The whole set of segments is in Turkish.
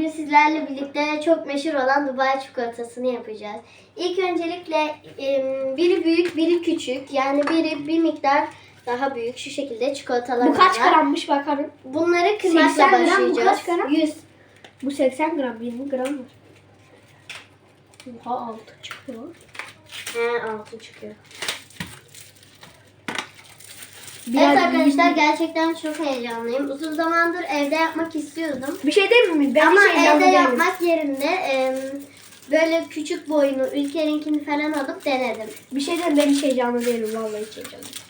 bugün sizlerle birlikte çok meşhur olan Dubai çikolatasını yapacağız. İlk öncelikle biri büyük, biri küçük. Yani biri bir miktar daha büyük şu şekilde çikolatalar Bu kaç var. grammış bakalım. Bunları kırmakla 80 gram, başlayacağız. bu kaç gram? 100. Bu 80 gram, 20 gram var. Oha 6 çıkıyor. He, 6 çıkıyor. Biraz Evet arkadaşlar gerçekten çok heyecanlıyım. Uzun zamandır evde yapmak istiyordum. Bir şey değil mi? Ben Ama hiç heyecanlı evde değilim. yapmak yerine böyle küçük boyunu Ülker'inkini falan alıp denedim. Bir şey değil mi? Ben hiç heyecanlı değilim. Vallahi hiç heyecanlı değilim.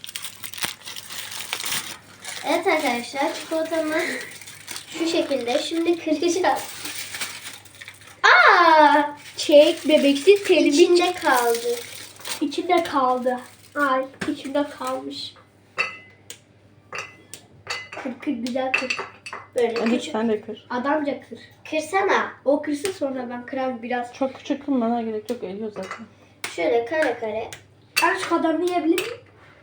Evet arkadaşlar çikolatamız şu şekilde. Şimdi kıracağız. Aa! Çek bebeksiz telimi İçinde kaldı. içinde kaldı. Ay içinde kalmış. Kır kır güzel kır. Böyle Hadi küçük. sen de kır. Adamca kır. Kırsana. O kırsın sonra ben kırar biraz. Çok küçük kırmana gerek yok. Eriyor zaten. Şöyle kare kare. Ben şu kadarını yiyebilir miyim?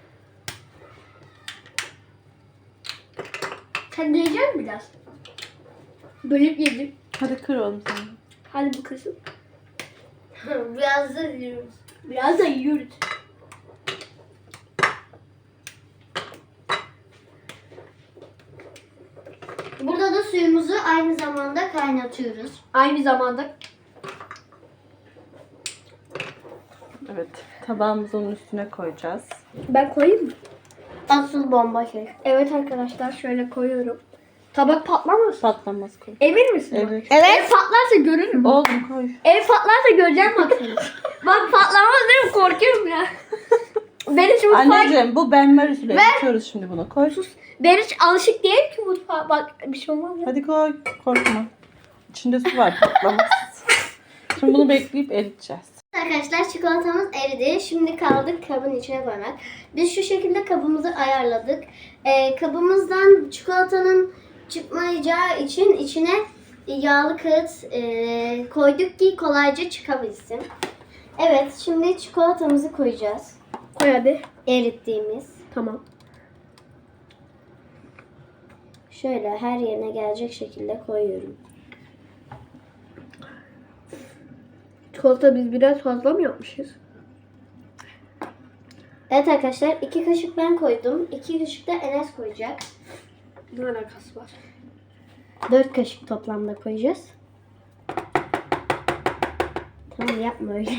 Sen de yiyecek misin biraz? Bölüp yedim. Hadi kır oğlum sen. Hadi bu kızım. Biraz da yiyoruz. Biraz da yiyoruz. Burada da suyumuzu aynı zamanda kaynatıyoruz. Aynı zamanda Evet. Tabağımızın üstüne koyacağız. ben koyayım mı? Asıl bomba şey. Evet arkadaşlar şöyle koyuyorum. Tabak patlamaz. Patlamaz koy. Emin misin? Evet. Ev patlarsa görürüm. Oğlum koy. Ev patlarsa göreceğim bak seni. Bak patlamaz değil mi? Korkuyorum ya. Ben hiç mutfağa... Anneciğim bu benmer usulü. Yapıyoruz şimdi bunu. Koy. Ben hiç alışık değilim ki mutfağa. Bak bir şey olmaz ya. Hadi koy. Korkma. İçinde su var. Patlamaz. Şimdi bunu bekleyip eriteceğiz. Arkadaşlar çikolatamız eridi. Şimdi kaldık kabın içine koymak. Biz şu şekilde kabımızı ayarladık. Kabımızdan çikolatanın çıkmayacağı için içine yağlı kağıt koyduk ki kolayca çıkabilsin. Evet şimdi çikolatamızı koyacağız. Koy hadi. Erittiğimiz. Tamam. Şöyle her yerine gelecek şekilde koyuyorum. Çikolata biz biraz fazla mı yapmışız? Evet arkadaşlar 2 kaşık ben koydum. 2 kaşık da Enes koyacak. Ne alakası var? 4 kaşık toplamda koyacağız. Tamam yapma öyle.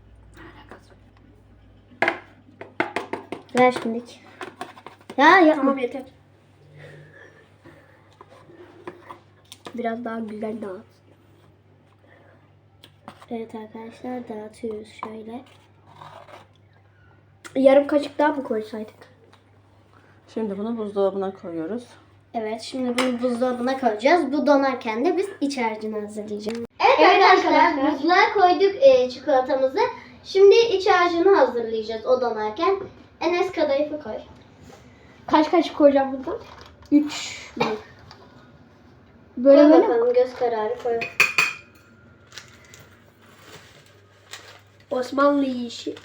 Ver şimdilik. Ya yapma. Tamam yeter. Biraz daha güzel dağıt. Evet arkadaşlar dağıtıyoruz şöyle. Yarım kaşık daha mı koysaydık? Şimdi bunu buzdolabına koyuyoruz. Evet şimdi bunu buzdolabına koyacağız. Bu donarken de biz iç harcını hazırlayacağız. Evet, Evet arkadaşlar arkadaşlar. buzluğa koyduk çikolatamızı. Şimdi iç harcını hazırlayacağız o donarken. Enes kadayıfı koy. Kaç kaşık koyacağım bundan? 3 mü? Koy Böyle böyle mi? bakalım göz kararı koy. Osmanlı yiyişi.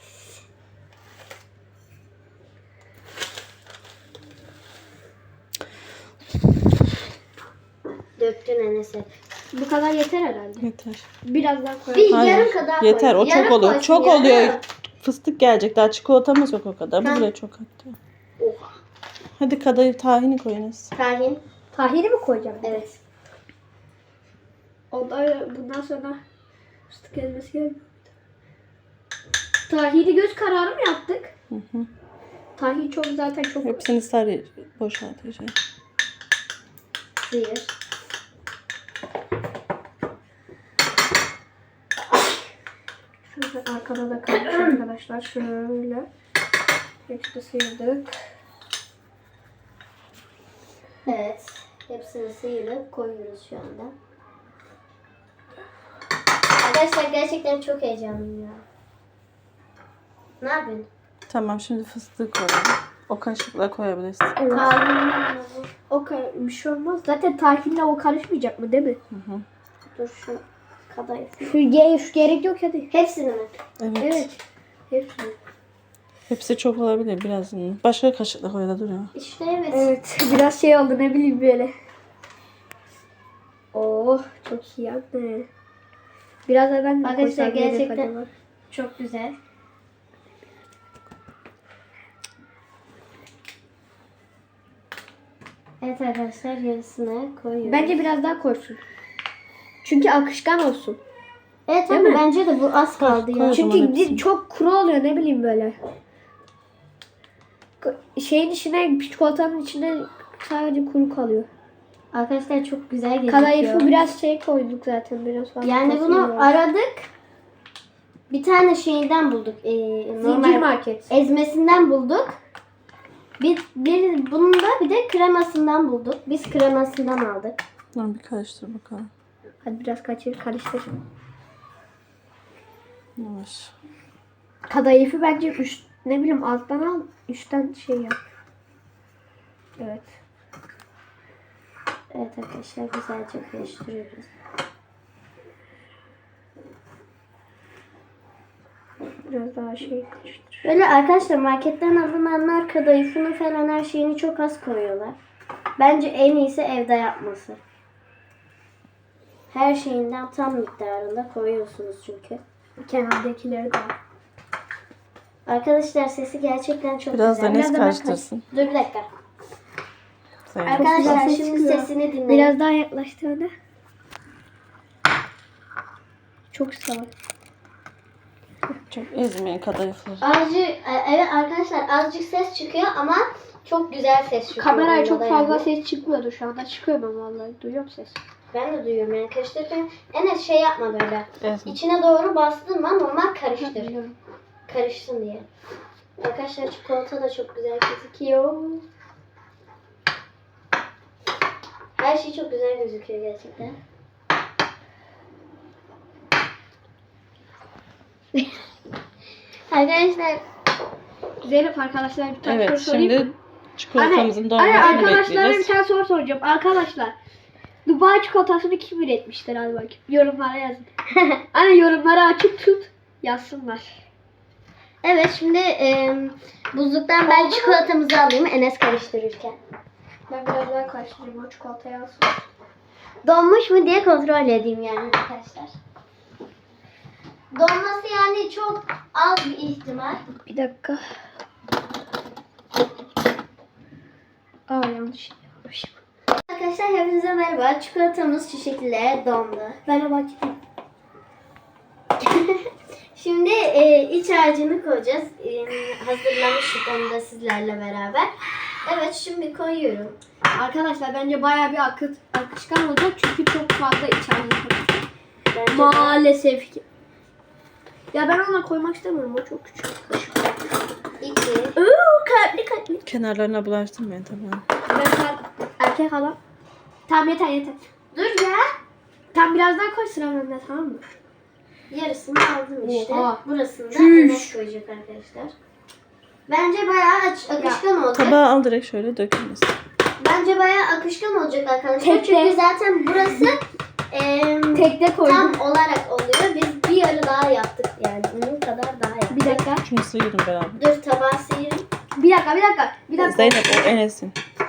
Döktün Enes'e. Bu kadar yeter herhalde. Yeter. Biraz daha koyalım. Bir Hayır, yarım kadar koy. Yeter. O Yarım çok oluyor. koysun, Çok yarım. oluyor. Fıstık gelecek. Daha çikolatamız yok o kadar. Bu Tamam. bile çok hatta. Oha. Hadi kadayıf tahini koyunuz. Tahin. Tahini mi koyacağım? Evet. Bundan sonra fıstık ezmesi gelmiyor. Tahini göz kararı mı yaptık? Hı hı. Tahin çok zaten çok... Hepsini sarı boşaltacağım. Sıyır. Şöyle arkada da kalmış arkadaşlar. Şöyle. Hepsini sıyırdık. Evet. Hepsini sıyırıp koyuyoruz şu anda. Arkadaşlar gerçekten çok heyecanlıyım ya. Ne yapıyorsun? Tamam şimdi fıstığı koyalım. O kaşıkla koyabilirsin. Evet. Tahin. Bir şey olmaz. Zaten tahinle o karışmayacak mı değil mi? Hı hı. Dur şu kadayıf. Şu gerek yok hadi. Hepsini mi? Evet. Evet. Hepsini. Hepsi çok olabilir biraz. Başka kaşıkla koy da duruyor. İşte evet. Evet. Biraz şey oldu ne bileyim böyle. Oo Oh çok iyi anne. Biraz da ben de Arkadaşlar koysam yemek gerçekten acaba? çok güzel. Evet arkadaşlar yarısını koyuyoruz. Bence biraz daha koysun. Çünkü akışkan olsun. Evet Değil ama mi? bence de bu az kaldı ya. koy. Çünkü zaman hepsini. çok kuru oluyor ne bileyim böyle. Şeyin içine çikolatanın içine sadece kuru kalıyor. Arkadaşlar çok güzel gözüküyor. Kadayıfı biraz şey koyduk zaten biraz fazla. Yani fasulye bunu oldu. aradık. Bir tane şeyden bulduk. Zincir Normal market. ezmesinden bulduk. Bunun da bir de kremasından bulduk. Biz kremasından aldık. Dur bir karıştır bakalım. Hadi biraz karıştır. Yavaş. Kadayıfı bence ne bileyim alttan al, üstten şey yap. Evet. Evet arkadaşlar güzelce karıştırıyoruz. Biraz daha şey karıştır. Böyle arkadaşlar marketten alınanlar kadayıfını falan her şeyini çok az koyuyorlar. Bence en iyisi evde yapması. Her şeyinden tam miktarında koyuyorsunuz çünkü. Kenardakileri de al. Arkadaşlar sesi gerçekten çok Biraz da güzel. Enes da ben karıştırsın. Dur bir dakika. Zeynep. Arkadaşlar ses şimdi çıkıyor. sesini dinleyin. Biraz daha yaklaştığında. Çok sağ ol. Çok ezmeyin kadayıfları. Evet arkadaşlar azıcık ses çıkıyor ama çok güzel ses çıkıyor. Kameraya onda çok da fazla yani. ses çıkmıyordu şu anda. Çıkıyor ben vallahi. Duyuyorum ses. Ben de duyuyorum yani karıştırırken. Enes şey yapma böyle. Ezme. İçine doğru bastırma normal karıştır. Biliyorum. Karışsın diye. Arkadaşlar çikolata da çok güzel gözüküyor. Her şey çok güzel gözüküyor gerçekten. Arkadaşlar Zeynep arkadaşlar bir tane soru Evet sorayım mı? şimdi çikolatamızın Anne dolmasını arkadaşlara bir bekleyeceğiz. tane soru soracağım. Arkadaşlar Dubai çikolatasını kim üretmiştir? Hadi bakayım. Yorumlara yazın. Anne yorumları açık tut. Yazsınlar. evet şimdi buzluktan ben çikolatamızı alayım Enes karıştırırken. Ben biraz daha karıştırayım o çikolatayı alsın. Donmuş mu diye kontrol edeyim yani arkadaşlar. Donması yani çok az bir ihtimal. Bir dakika. Yanlış yapmışım. Arkadaşlar hepinize merhaba. Çikolatamız şu şekilde dondu. Ben o bakayım. Şimdi iç harcını koyacağız. Hazırlamıştık onu da sizlerle beraber. Evet şimdi koyuyorum. Arkadaşlar bence bayağı bir akışkan olacak çünkü çok fazla içeride. Bence de- Maalesef ki. Ya ben ona koymak istemiyorum. O çok küçük. İki. Kalpli. Kenarlarına bulaştırmayın tamam. Ben erkek adam. Tamam yeter. Dur ya. Tam biraz daha koy sıra bende tamam mı? Yarısını aldım işte. Oha. Burasını da Çüş. Enes koyacak arkadaşlar. Bence bayağı akışkan olacak. Tabağı al direkt şöyle dökülmez. Bence bayağı akışkan olacak arkadaşlar. Tek Çünkü tek. zaten burası Tekte koydum. tam olarak oluyor. Biz bir yarı daha yaptık yani. Bunun kadar daha yaptık. Bir dakika. Şunu sıyırın beraber. Dur tabağı sıyırın. Bir dakika. Zeynep o Enes'in.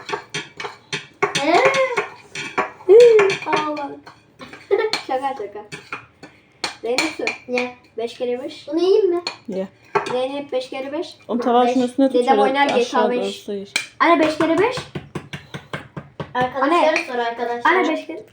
Allah'ım. şaka. Zeynep su. Ne? 5 kere 5. Bunu yiyeyim mi? Ye. Zeynep 5 kere 5. Onu tabağı şunun üstüne tut. Dedem şöyle oynar GTA aşağı doğru 5. sıyır. Anne 5 kere 5. Arkadaşlar sor arkadaşlar. Anne 5 kere.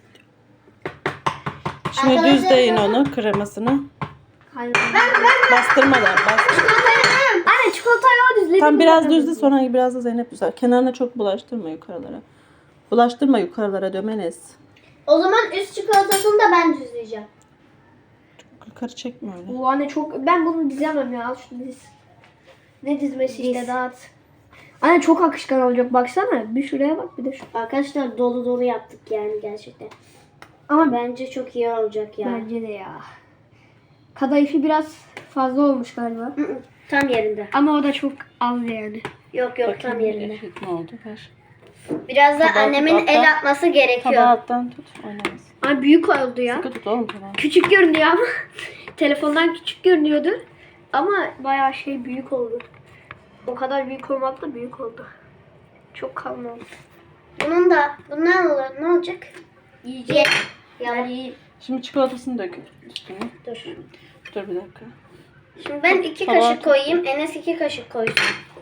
Şimdi Arkadaşlar düzleyin zaten- onu kremasını. Hayır. Bastırmadan bastır. Anne çikolatayı o düzledim. Tam biraz düzle sonra biraz da Zeynep düzel. Kenarına çok bulaştırma yukarılara. Bulaştırma yukarılara dömenes. O zaman üst çikolatasını da ben düzleyeceğim. Yukarı çekme öyle. Bu anne çok... Ben bunu dizemem ya. Al şunu diz. Ne dizmesi işte Diz. dağıt. Anne çok akışkan olacak baksana. Bir şuraya bak bir de şu. Arkadaşlar dolu dolu yaptık yani gerçekten. Ama Bence çok iyi olacak ya. bence de ya. Kadayıfı biraz fazla olmuş galiba. Hı hı, tam yerinde. Ama o da çok az yani. Yok tam yerinde. Eşit mi oldu? Ver. Biraz da Tabağı annemin tut, el alttan. atması gerekiyor. Tabağı alttan tut. Oynamaz. Anne büyük oldu ya. Sıkı tut oğlum tabağı. Küçük görünüyor ama. Telefondan küçük görünüyordu. Ama bayağı şey büyük oldu. O kadar büyük olmakla büyük oldu. Çok kalın oldu. Bundan olur. Ne olacak? Yiyecek. Yani Şimdi çikolatasını dök üstüne. dur. Dur bir dakika. Şimdi ben 2 Tabağa kaşık tut. koyayım. Enes 2 kaşık koysun.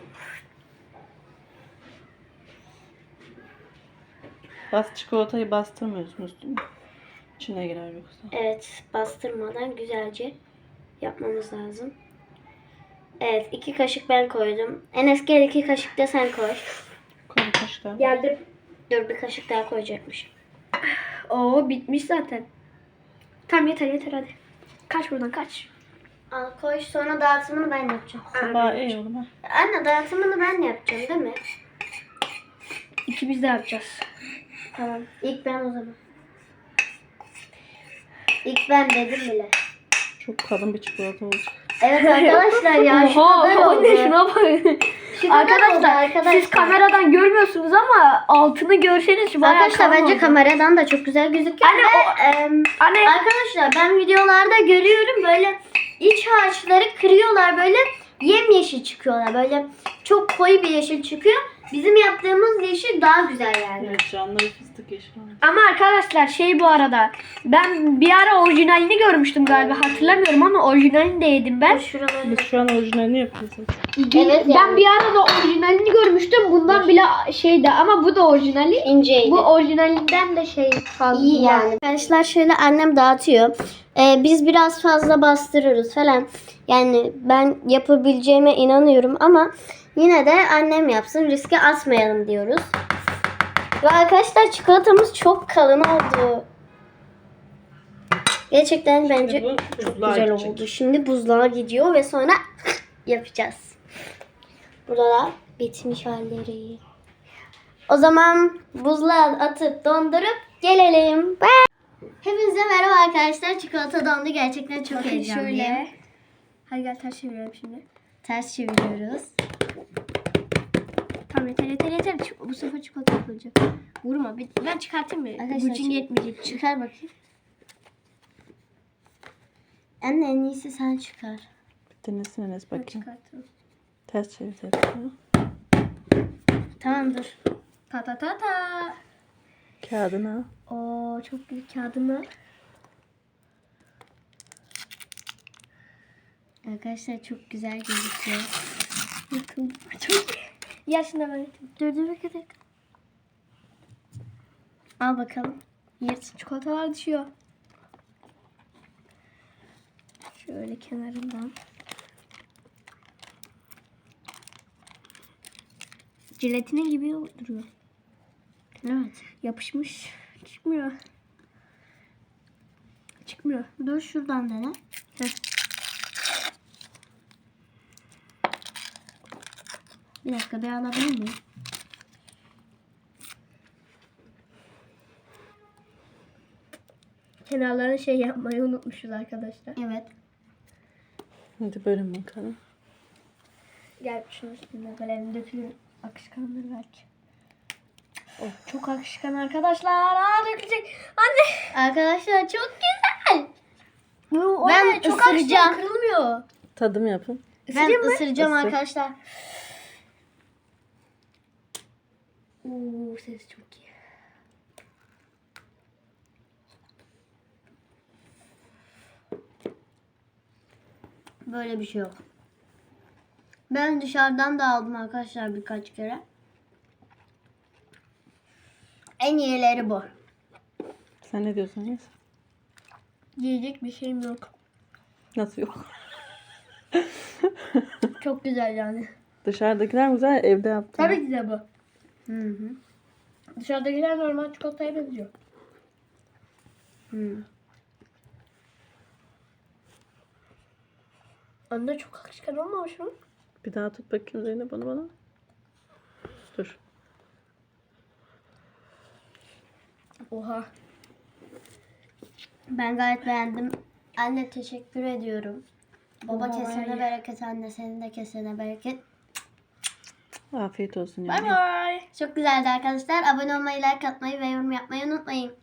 Çikolatayı bastırmıyorsunuz değil mi? İçine girer yoksa. Evet, bastırmadan güzelce yapmamız lazım. Evet, 2 kaşık ben koydum. Enes gel 2 kaşık da sen koy. Koy bir kaşık daha. Geldim. Dur bir kaşık daha koyacakmış. Oo bitmiş zaten. Tamam yeter hadi. Kaç buradan kaç. Al koy, sonra dağıtımını ben yapacağım. Tabağı iyi oğlum ha. Anne dağıtımını ben yapacağım değil mi? İkimiz de yapacağız. Tamam. İlk ben o zaman. İlk ben dedim bile. Çok kalın bir çikolata olacak. Evet arkadaşlar ya şu kadar oldu. anne şuna bak. Şu kadar oldu Arkadaşlar siz kameradan görmüyorsunuz ama altını görseniz bayağı Arkadaşlar kalın bence oldu. kameradan da çok güzel gözüküyor. Anne, Ve, Anne arkadaşlar ben videolarda görüyorum böyle iç harçları kırıyorlar böyle yemyeşil çıkıyorlar. Böyle çok koyu bir yeşil çıkıyor. Bizim yaptığımız yeşil daha güzel yani. Evet canlı ve fıstık yeşil olmuş. ama arkadaşlar bu arada ben bir ara orijinalini görmüştüm galiba hatırlamıyorum ama orijinalini de yedim ben. Şuraları Biz şu an orijinalini yapıyoruz. Evet, ben yani. bir ara da orijinalini görmüştüm. Bundan bile şeydi ama bu da orijinali. inceydi. Bu orijinalinden de fazla. İyi yani. Arkadaşlar şöyle annem dağıtıyor. Biz biraz fazla bastırırız falan. Yani ben yapabileceğime inanıyorum ama yine de annem yapsın. Riske atmayalım diyoruz. Ve arkadaşlar çikolatamız çok kalın oldu. Gerçekten bence bu çok buzluğa güzel gidecek. oldu. Şimdi buzluğa gidiyor ve sonra yapacağız. Burada da bitmiş halleri. O zaman buzluğa atıp dondurup gelelim. Hepinize merhaba arkadaşlar. Çikolata dondu. Gerçekten çok Bakın heyecanlıyım. şöyle. Hadi gel ters çevirelim şimdi. Ters çeviriyoruz. Tamam yeter. Bu sefer çikolata yapılacak. Vurma. Ben çıkartayım mı? Arkadaşlar, Gücün yetmeyecek. Çıkar bakayım. Anne en iyisi sen çıkar. Denesin Enes Ben bakayım. çıkartırım. Ters çevir telefonu. Tamam dur. Ta. Kağıdını al. Oo çok güzel kağıdımı. Arkadaşlar çok güzel gözüküyor. Bakın çok yaşında ben. Dur bir dakika. Al bakalım. Yırtık çikolatalar düşüyor. Şöyle kenarından. Jelatine gibi duruyor. Evet. Yapışmış. Çıkmıyor. Dur şuradan dene. Bir dakika bir alabilir miyim? Kenarlarını yapmayı unutmuşuz arkadaşlar. Evet. Hadi bölün bakalım. Gel şunun üstüne kalemi dökülür. Akışkandır belki. Oh, çok akışkan arkadaşlar. Dökecek. Anne. Arkadaşlar çok güzel. Ben çok akışkan ısıracağım. kırılmıyor. Tadım yapın. Ben ısıracağım Isır. arkadaşlar. Ses çok iyi. Böyle bir şey yok. Ben dışarıdan da aldım arkadaşlar birkaç kere. En iyileri bu. Sen ne diyorsun Enes? Yiyecek bir şeyim yok. Nasıl yok? Çok güzel yani. Dışarıdakiler güzel, evde yaptım. Tabii ki de bu. Hı hı. Dışarıdakiler normal çikolataya benziyor. Hı. Anne çok akışkan olmamış mı? Bir daha tut bakayım Zeynep bana. Dur. Oha. Ben gayet beğendim. Anne teşekkür ediyorum. Baba Oha, kesene iyi. bereket, anne senin de kesene bereket. Afiyet olsun. Bay Yani. bay. Çok güzeldi arkadaşlar. Abone olmayı, like atmayı ve yorum yapmayı unutmayın.